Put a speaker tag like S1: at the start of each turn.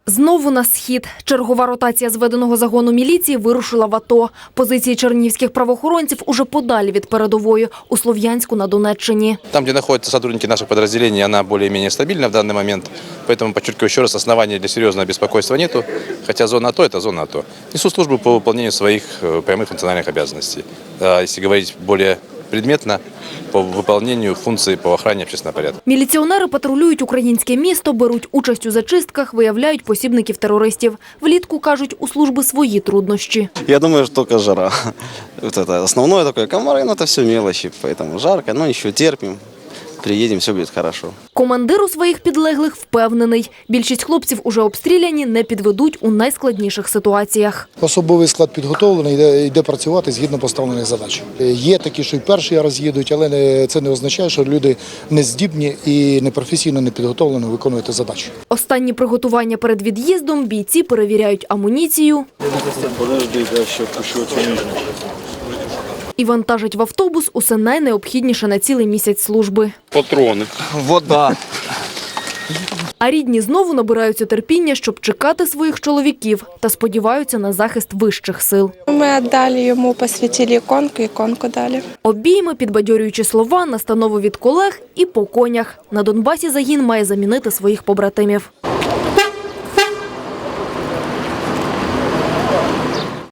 S1: Знову на схід. Чергова ротація зведеного загону міліції вирушила в АТО. Позиції чернігівських правоохоронців уже подалі від передової, у Слов'янську на Донеччині.
S2: Там, где находятся сотрудники наших подразделений, она более-менее стабильна в данный момент. Поэтому, подчеркиваю еще раз, оснований для серьезного беспокойства нету. Хотя зона АТО – это зона АТО. Несу службу по выполнению своих прямых функциональных обязанностей. Если говорить более предметно, по виконанню функцій по охороні общественного порядку.
S1: Міліціонери патрулюють українське місто, беруть участь у зачистках, виявляють посібників терористів. Влітку, кажуть, у служби свої труднощі.
S3: Я думаю, что только жара. Вот это основное такое, комары, но это все мелочи, поэтому жарко, но еще терпим. Приїдемо, все буде добре.
S1: Командир у своїх підлеглих впевнений. Більшість хлопців уже обстріляні, не підведуть у найскладніших ситуаціях.
S4: Особовий склад підготовлений, йде працювати згідно поставлених задач. Є такі, що й перший раз їдуть, але це не означає, що люди не здібні і непрофесійно, не підготовлено виконують задачу.
S1: Останні приготування перед від'їздом бійці перевіряють амуніцію і вантажать в автобус усе найнеобхідніше на цілий місяць служби.
S5: Патрони.
S3: Вода.
S1: А рідні знову набираються терпіння, щоб чекати своїх чоловіків та сподіваються на захист вищих сил.
S6: Ми віддали йому, посвятили іконку дали.
S1: Обійми, підбадьорюючі слова, настанови від колег і по конях. На Донбасі загін має замінити своїх побратимів.